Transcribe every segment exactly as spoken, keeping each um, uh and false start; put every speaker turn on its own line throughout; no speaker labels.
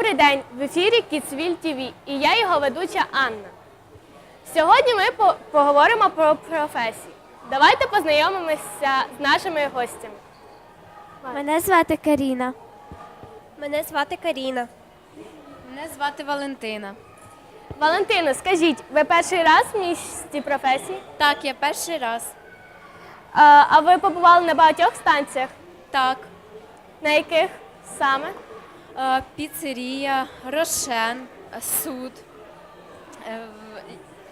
Добрий день! В ефірі Kidsville ті ві і я його ведуча Анна. Сьогодні ми по поговоримо про професії. Давайте познайомимося з нашими гостями.
Мене звати Каріна.
Мене звати Каріна.
Мене звати Валентина.
Валентино, скажіть, ви перший раз в місті професії?
Так, я перший раз.
А, а ви побували на багатьох станціях?
Так.
На яких саме?
Е, Піцерія, Рошен, е, суд. Е, в-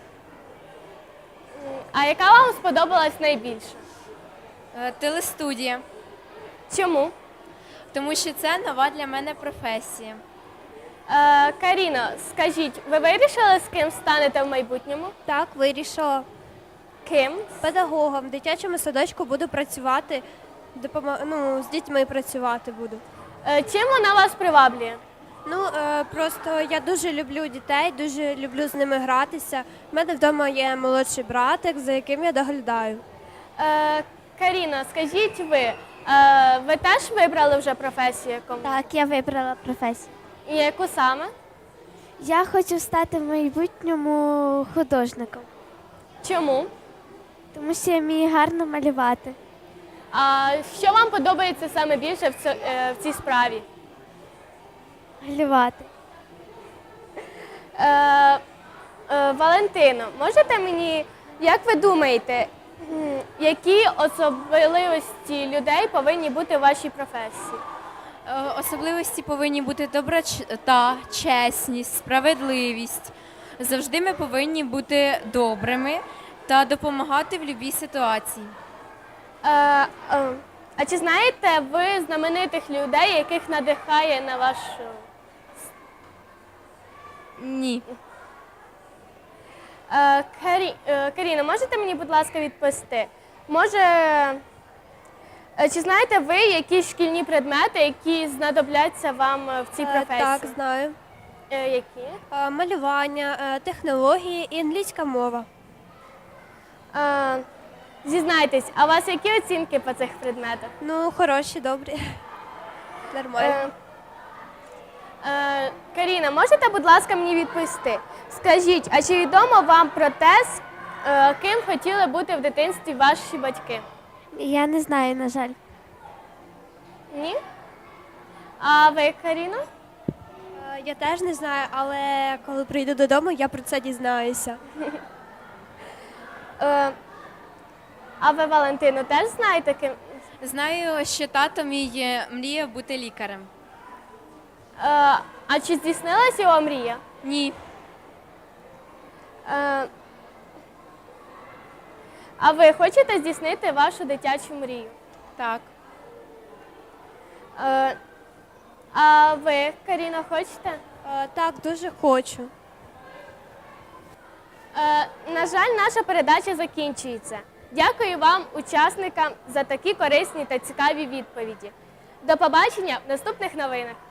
А яка вам сподобалась найбільше?
е, Телестудія.
Чому?
Тому що це нова для мене професія.
Е, Каріно, скажіть, ви вирішили, з ким станете в майбутньому?
Так, вирішила.
Ким?
Педагогом в дитячому садочку буду працювати, допомо... ну, з дітьми працювати буду.
Е, чим вона вас приваблює?
Ну, е, просто я дуже люблю дітей, дуже люблю з ними гратися. У мене вдома є молодший братик, за яким я доглядаю.
Е, Каріно, скажіть ви, е, ви теж вибрали вже професію яку?
Так, я вибрала професію.
І яку саме?
Я хочу стати в майбутньому художником,
Чому?
тому що я вмію гарно малювати.
А що вам подобається саме більше в, цьо- е, в цій справі?
Малювати.
Е, е, Валентино, можете мені, як ви думаєте, м, які особливості людей повинні бути в вашій професії?
Е, Особливості повинні бути доброта, чесність, справедливість. Завжди ми повинні бути добрими та допомагати в будь-якій ситуації.
Е, е, а чи знаєте ви знаменитих людей, яких надихає на вашу?
Ні.
Е, Карі, е, Каріно, можете мені, будь ласка, відповісти? Може, е, чи знаєте ви якісь шкільні предмети, які знадобляться вам е, в цій
Е,
професії?
Так, знаю.
Е, які?
Е, Малювання, е, технології і англійська мова.
Е, зізнайтесь, а у вас які оцінки по цих предметах?
Ну, хороші, добрі. Нормально.
Е, е, Каріна, можете, будь ласка, мені відповісти? Скажіть, а чи відомо вам про те, з е, ким хотіли бути в дитинстві ваші батьки?
Я не знаю, на жаль.
Ні? А ви, Каріно?
Е, Я теж не знаю, але коли прийду додому, я про це дізнаюся.
Е, а ви, Валентино, теж знаєте, ким?
Знаю, що тато мій е, мріяв бути лікарем.
Е, а чи здійснилася його мрія?
Ні.
Е, а ви хочете здійснити вашу дитячу мрію?
Так.
Е, а ви, Каріна, хочете?
Е, Так, дуже хочу.
Е, на жаль, наша передача закінчується. Дякую вам, учасникам, за такі корисні та цікаві відповіді. До побачення в наступних новинах.